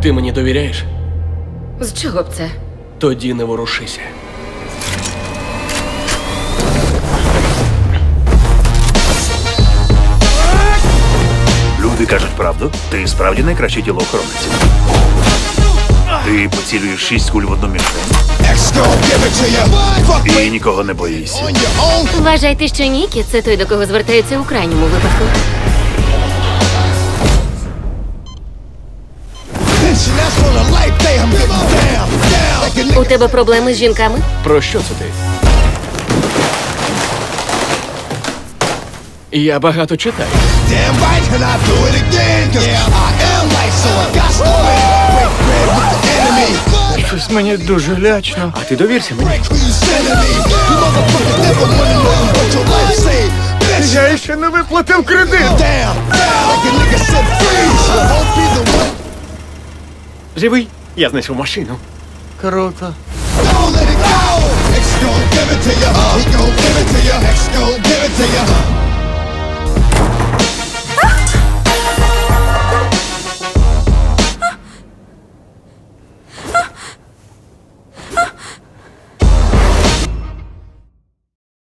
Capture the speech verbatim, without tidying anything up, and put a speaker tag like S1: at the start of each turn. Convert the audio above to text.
S1: Ти мені довіряєш?
S2: З чого б це?
S1: Тоді не ворушися.
S3: Люди кажуть правду. Ти справді найкращий тілоохоронець. Ти поцілюєш шість куль в одну мішень. І нікого не боїшся.
S2: Вважайте, що Нікі – це той, до кого звертаються у крайньому випадку. У тебе проблеми з жінками?
S1: Про що це ти? Я багато читаю.
S3: Щось мені дуже лячно.
S1: А ти довірся мені.
S3: Я ще не виплатив кредит.
S1: Живий? Я знайшов машину.
S3: Круто.
S4: Don't let it go. X gon' give it to ya. He gon' give it to ya. X gon' give it to ya.